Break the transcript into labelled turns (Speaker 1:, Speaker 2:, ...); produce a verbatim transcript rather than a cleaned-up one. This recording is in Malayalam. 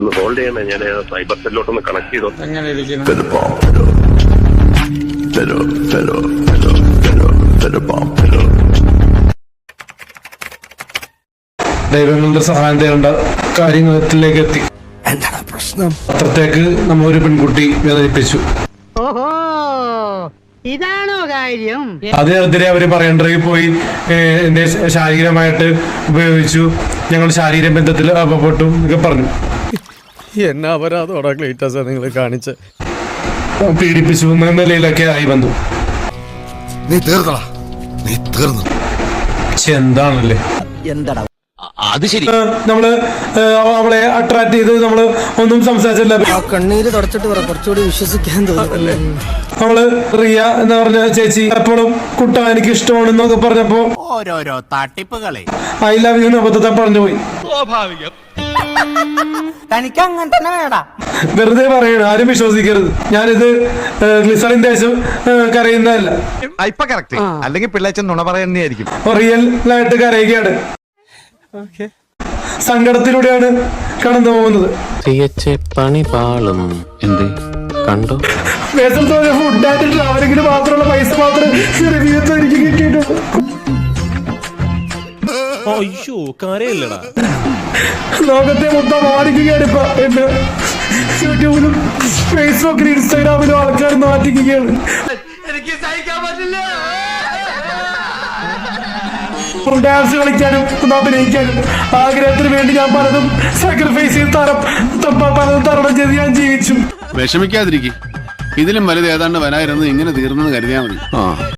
Speaker 1: ഹോൾഡ് ചെയ്യണേ, ഞാൻ സൈബർ സെല്ലോട്ടൊന്ന് കണക്ട് ചെയ്തോ.
Speaker 2: ദൈവങ്ങളുടെ സഹായം തേടേണ്ട കാര്യങ്ങളിലേക്ക് എത്തി.
Speaker 3: എന്താണ് പ്രശ്നം?
Speaker 2: അത്രത്തേക്ക് നമ്മ ഒരു പെൺകുട്ടി വേദനിപ്പിച്ചു.
Speaker 4: ഇതാണോ കാര്യം?
Speaker 2: അതിനെതിരെ അവര് പറയേണ്ടതിൽ പോയി എന്റെ ശാരീരികമായിട്ട് ഉപയോഗിച്ചു, ഞങ്ങൾ ശാരീരിക ബന്ധത്തിൽ അകപ്പെട്ടു എന്നൊക്കെ പറഞ്ഞു.
Speaker 3: എന്നാ അപരാധോടാ ക്ലീറ്റസ് നിങ്ങൾ കാണിച്ച്
Speaker 2: പീഡിപ്പിച്ചു എന്ന നിലയിലൊക്കെ ആയി വന്നു.
Speaker 5: നീ തീർന്നടാ, നീ തീർന്നു.
Speaker 2: എന്താണല്ലേ
Speaker 3: എന്താടാ
Speaker 6: അത് ശരി.
Speaker 2: നമ്മള് അവളെ അട്രാക്ട് ചെയ്ത് നമ്മള് ഒന്നും സംസാരിച്ചില്ല.
Speaker 7: കണ്ണീര് തുടച്ചിട്ട് പറ, കുറച്ചുകൂടി വിശ്വസിക്കാൻ തോന്നുന്നല്ലേ.
Speaker 2: അവള് റിയ എന്ന് പറഞ്ഞ ചേച്ചി എപ്പോഴും കുട്ട എനിക്ക് ഇഷ്ടമാണെന്നൊക്കെ പറഞ്ഞപ്പോ
Speaker 6: ഓരോരോ തട്ടിപ്പുകളെ
Speaker 2: ഐ ലവ് യു അബദ്ധത്തെ പറഞ്ഞു പോയി.
Speaker 7: തനിക്ക് അങ്ങനെ തന്നെ വേടാ.
Speaker 2: വെറുതെ പറയണ, ആരും വിശ്വസിക്കരുത്. ഞാനിത് ഗ്ലിസറിൻ ദേശം കരയുന്നതല്ല.
Speaker 5: ഇപ്പൊ കറക്റ്റ്, അല്ലെങ്കിൽ പിള്ളേച്ചൻ നുണ പറയുന്നതായിരിക്കും.
Speaker 2: റിയൽ ആയിട്ട് കരയുകയാണ്, സങ്കടത്തിലൂടെയാണ് കടന്നു പോകുന്നത്.
Speaker 6: പണി പാളും എന്ത് കണ്ടോ?
Speaker 2: ഫുഡായിട്ട് ട്രാവലിങ്ങിന് മാത്രമുള്ള പൈസ മാത്രമേ എനിക്ക് കിട്ടിയിട്ടുള്ളൂ. ലോകത്തെ മൊത്തം മാറ്റിക്കുകയാണ് ഇപ്പൊ. എന്റെ യൂട്യൂബിലും ഫേസ്ബുക്കിലും ഇൻസ്റ്റാഗ്രാമിലും ആൾക്കാർ മാറ്റിക്കുകയാണ്. ഡാൻസ് കളിക്കാനും ഒന്ന് അഭിനയിക്കാനും ആഗ്രഹത്തിന് വേണ്ടി ഞാൻ പലതും സാക്രിഫൈസ് ചെയ്ത് തരം പലതും തരണം ചെയ്ത് ഞാൻ ജീവിച്ചു.
Speaker 8: വിഷമിക്കാതിരിക്കും, ഇതിലും വലുത് ഏതാണ്ട് വരായിരുന്നു. ഇങ്ങനെ തീർന്നെന്ന് കരുതിയാൽ മതി.